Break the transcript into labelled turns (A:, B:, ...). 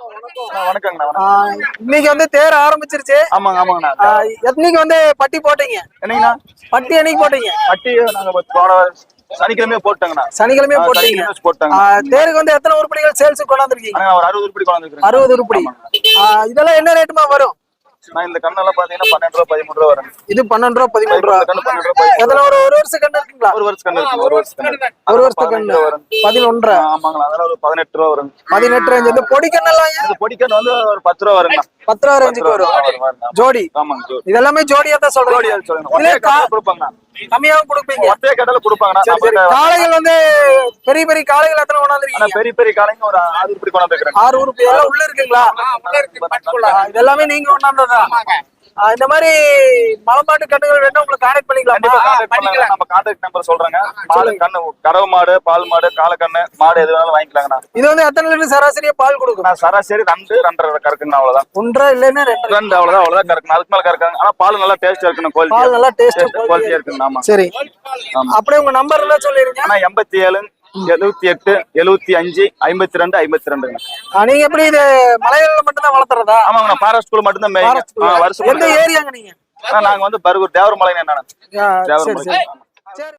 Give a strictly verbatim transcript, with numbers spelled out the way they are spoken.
A: வணக்கங்கண்ணா.
B: இன்னைக்கு வந்து தேர் ஆரம்பிச்சிருச்சு.
A: ஆமாங்க ஆமாங்கண்ணா.
B: எத்தனைக்கு வந்து பட்டி போட்டீங்க?
A: என்னங்கண்ணா
B: பட்டி என்னைக்கு போட்டீங்க?
A: பட்டி நாங்க போன சனிக்கிழமையே போட்டோங்கண்ணா.
B: சனிக்கிழமையே போட்டீங்க.
A: போட்டாங்க.
B: தேருக்கு வந்து எத்தனை உருப்படிகள் சேல்ஸ் கொண்டாந்துருக்கீங்க?
A: ஒரு அறுபது உருப்படி கொண்டாந்துருக்கேன்.
B: அறுபது உருப்படி. இதெல்லாம் என்ன ரேட்டுமா வரும்?
A: நான் இந்த கண்ணெல்லாம் பாத்தீங்கன்னா பன்னெண்டு ரூபா பதிமூணு ரூபா வரும்.
B: இது பன்னெண்டு ரூபா பதிமூணு ரூபா. எத்தனை ஒரு ஒரு வருஷம் கண்ணு இருக்குங்களா? ஒரு வருஷம் கண்ணு இருக்கு. ஒரு வருஷம் கண்ணு. ஒரு வருஷம் கண்ணு வரும். பதினொன்று.
A: ஆமாங்களா. அதெல்லாம் ஒரு பதினெட்டு ரூபா வரும்.
B: பதினெட்டு ரேஞ்ச். இந்த பொடி கண்ணெல்லாம்
A: இந்த பொடி கண்ணு வந்து ஒரு பத்து ரூபா வருங்க.
B: பத்து ரூபா ரேஞ்சுக்கு வரும். ஜோடி.
A: ஆமாங்க ஜோடி.
B: இதெல்லாமே ஜோடியா தான் சொல்றேன்.
A: ஜோடியா சொல்லுங்க. ஒரே கடையில கொடுப்பாங்க.
B: கம்மியாவும் கொடுப்பீங்க.
A: ஒரே கடையில கொடுப்பாங்கண்ணா.
B: காளைகள் வந்து பெரிய பெரிய காளைகள் எத்தனை கொண்டாந்துருக்கீங்க?
A: பெரிய பெரிய காளைங்க ஒரு ஆறு உருப்படி கொண்டாந்துருக்கேன்.
B: ஆறு உருப்படி எல்லாம் உள்ள இருக்குங்களா? இதெல்லாமே நீங்க கொண்டாந்ததா? இந்த மாதிரி மலமாட்டு கண்ணுகள் வேணும் உங்களுக்கு கான்டாக்ட் பண்ணிக்கலாம்.
A: நம்ம கான்டாக்ட் நம்பர் சொல்றேங்க. மாடு கண்ணு கறவை மாடு பால் மாடு காலக்கண்ணு மாடு எது வேணாலும் வாங்கிக்கலாங்கண்ணா.
B: இது வந்து எத்தனை லிட்டர் சராசரியா பால் கொடுக்கும்?
A: நான் சராசரி ரெண்டு ரெண்டரை கறக்குங்க. அவ்வளவுதான்.
B: ஒன்றரை இல்லைன்னா ரெண்டு
A: ரெண்டு அவ்வளவுதான். அவ்வளவுதான் கறக்குங்க. அதுக்கு மேல கறக்காங்க. ஆனா பால் நல்லா டேஸ்டா இருக்கணும். குவாலிட்டி
B: பால் நல்லா டேஸ்ட்
A: குவாலிட்டியா இருக்குங்க. ஆமா
B: சரி. அப்படியே உங்க நம்பர் எல்லாம் சொல்லிருங்க.
A: ஆனா எண்பத்தி ஏழு எழுபத்தி எட்டு எழுபத்தி அஞ்சு ஐம்பத்தி ரெண்டு ஐம்பத்தி ரெண்டுங்க.
B: நீங்க எப்படி இது மலையில மட்டும் தான் வளர்த்துறதா?
A: ஆமாங்க. ஃபாரஸ்ட் ஸ்கூல் மட்டும் தான் மேய்ங்க.
B: எந்த ஏரியாங்க நீங்க?
A: நாங்க வந்து பர்கூர் தேவரமலை. என்ன
B: தேவரமலை.